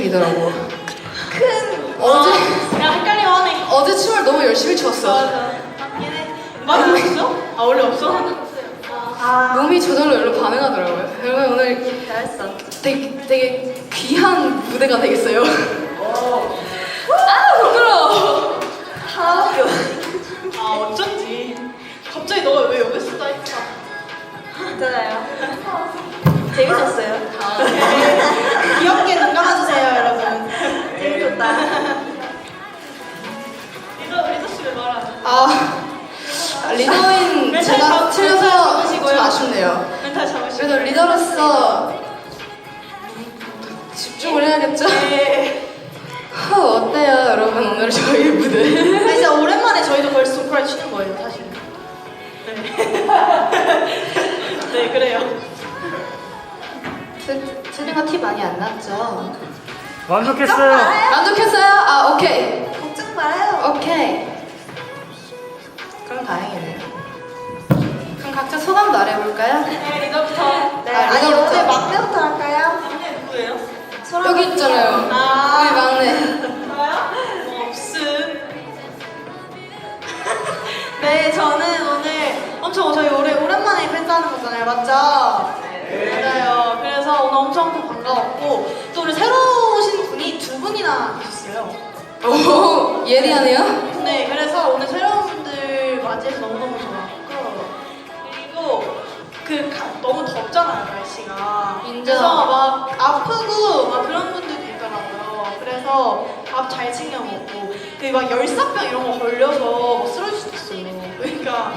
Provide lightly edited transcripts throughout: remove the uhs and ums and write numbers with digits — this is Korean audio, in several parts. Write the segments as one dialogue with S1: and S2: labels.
S1: 느낌이더라고.
S2: 어제 야 헷갈리면 하네.
S1: 어제 춤을 너무 열심히 췄어.
S2: 맞아. 맞는 거 있어? 아 원래 없어?
S1: 몸이 저절로 여기로 반응하더라고요. 여러분 오늘
S3: 잘했어.
S1: 되게 귀한 무대가 되겠어요. 아 부끄러워.
S3: 하나밖에 없어.
S2: 아 어쩐지. 갑자기 너가 왜 여기 있었다 했다.
S3: 괜찮아요. 재밌었어요.
S2: 귀엽게 눈 감아주세요 여러분.
S3: 재밌었다.
S2: 리더 씨왜 말하지?
S1: 리더인
S2: 멘탈
S1: 제가
S2: 멘탈
S1: 틀려서
S2: 잡으시고요.
S1: 좀 아쉽네요.
S2: 멘탈 잡으시고.
S1: 그래도 리더로서 집중을 해야겠죠?
S2: 네.
S1: 어때요 여러분 오늘 저희의 무대?
S2: 아, 진짜 오랜만에 저희도 걸스 소프라이 추는 거예요 사실. 네. 네 그래요.
S1: 틀리가 티 많이 안 났죠?
S4: 완벽했어요.
S1: 만족했어요? 아 오케이.
S3: 걱정 말아요.
S1: 오케이. 그럼 다행이네요. 그럼 각자 소감 말해볼까요?
S2: 네 리더부터.
S3: 네,
S1: 아,
S3: 아니
S1: 리더부터.
S3: 오늘 막내부터 할까요?
S2: 남녀 누구예요?
S1: 여기 있잖아요. 우리 막내.
S2: 저요? 없음. 네, 저는 오늘 엄청 저희 오랜만에 팬싸하는 거잖아요, 맞죠? 네. 맞아요. 그래서 오늘 엄청 또 반가웠고 또 우리 새로 오신 분이 두 분이나 계셨어요.
S1: 오 예리하네요.
S2: 네, 그래서 오늘 새로운 분들 맞이해서 너무너무 좋았고 그리고 너무 덥잖아요, 날씨가.
S1: 인정.
S2: 그래서 막 아프고 막 그런 분들도 있더라고요. 그래서 밥 잘 챙겨 먹고 막 열사병 이런 거 걸려서 막 쓰러질 수도 있어요. 그러니까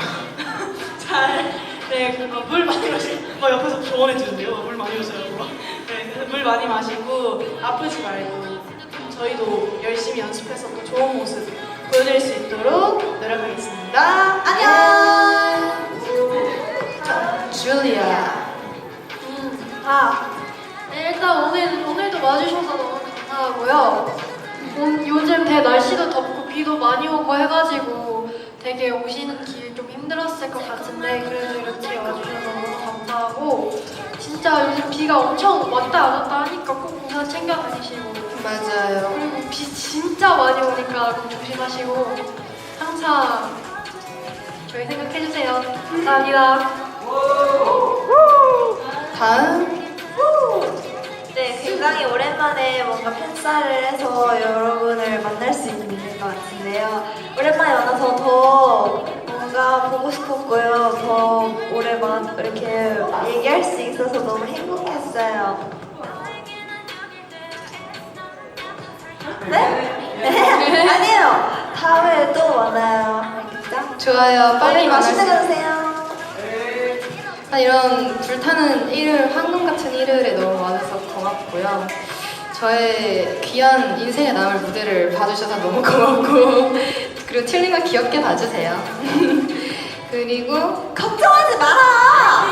S2: 물 많이 마시고 옆에서 조언해 주는데요. 물 많이 마셔요. 네, 물 많이 마시고 아프지 말고 저희도 열심히 연습해서 또 좋은 모습 보여드릴 수 있도록 노력하겠습니다. 안녕.
S1: 줄리아.
S5: 네, 일단 오늘도 와주셔서 너무 감사하고요. 요즘 되게 날씨도 덥고 비도 많이 오고 해가지고 되게 오시는 길 좀 힘들었을 것 같은데 그래도 이렇게 와주셔서 너무 감사하고 진짜 요즘 비가 엄청 왔다 안 왔다 하니까 꼭 우산 챙겨 다니시고
S1: 맞아요.
S5: 그리고 비 진짜 많이 오니까 꼭 조심하시고 항상 저희 생각해주세요. 감사합니다.
S1: 다음.
S3: 네, 굉장히 오랜만에 뭔가 팬싸를 해서 여러분을 만날 수 있는 것 같은데요. 오랜만에 만나서 더 뭔가 보고 싶었고요. 더 오래만 이렇게 얘기할 수 있어서 너무 행복했어요. 네? 아니에요. 다음에 또 만나요. 알겠죠?
S1: 좋아요. 빨리 만날 수
S3: 맛있는 거
S1: 있
S3: 드세요.
S1: 이런 불타는 일요일, 황금 같은 일요일에 너무 와줘서 고맙고요. 저의 귀한 인생에 남을 무대를 봐주셔서 너무 고맙고 그리고 틸링아 귀엽게 봐주세요. 그리고
S3: 걱정하지 마라.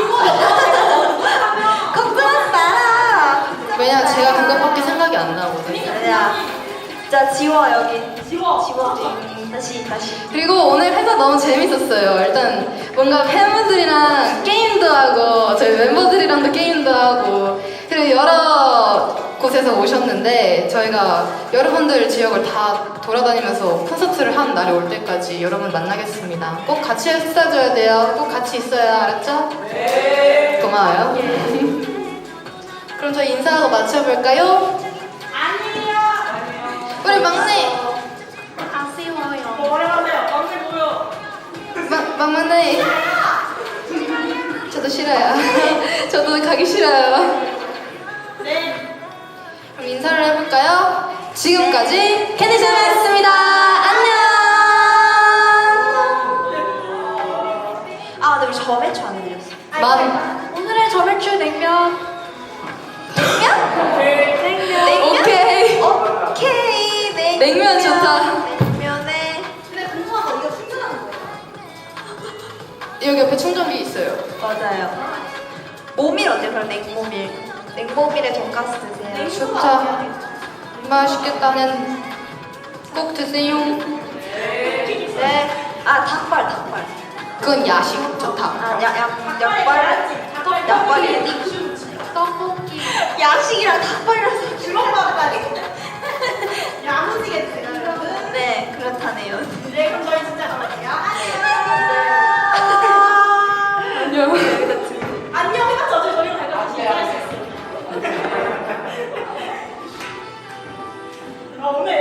S3: 걱정하지 마라.
S1: 왜냐 제가 간 것밖에 생각이 안 나거든요.
S3: 아니야. 자 지워 여기.
S2: 지워.
S3: 다시.
S1: 그리고 오늘 회사 너무 재밌었어요. 일단 뭔가 팬분들이랑 게임도 하고 저희 멤버들이랑도 게임도 하고 그리고 여러 곳에서 오셨는데 저희가 여러분들 지역을 다 돌아다니면서 콘서트를 한 날이 올 때까지 여러분 만나겠습니다. 꼭 같이 했어줘야 돼요. 꼭 같이 있어야 알았죠? 네. 고마워요. 그럼 저희 인사하고 맞춰볼까요? 우리 막내!
S5: 아쉬워요.
S2: 오랜만에 막내 보여.
S1: 막내! 저도 싫어요. 저도 가기 싫어요.
S2: 네.
S1: 그럼 인사를 해볼까요? 지금까지 캐디쌤이었습니다. 안녕!
S3: 아, 근데 우리 저매추 안 해드렸어.
S5: 오늘의 저매추 냉면.
S1: 오케이.
S3: 오케이.
S1: 냉면 좋다.
S3: 냉면에.
S2: 근데 궁금한 거 이거 충전하는 거예요?
S1: 여기 옆에 충전기 있어요.
S3: 맞아요. 모밀 어때요? 그럼 냉모밀. 냉모밀에 돈가스 드세요.
S1: 좋다. 맛있겠다. 그냥 꼭 드세요.
S3: 네. 아, 닭발.
S1: 그건 야식. 좋다.
S3: 아, 약발.
S5: 떡볶이.
S3: 야식이랑 닭발이라서
S2: 주먹밥 다리. 오늘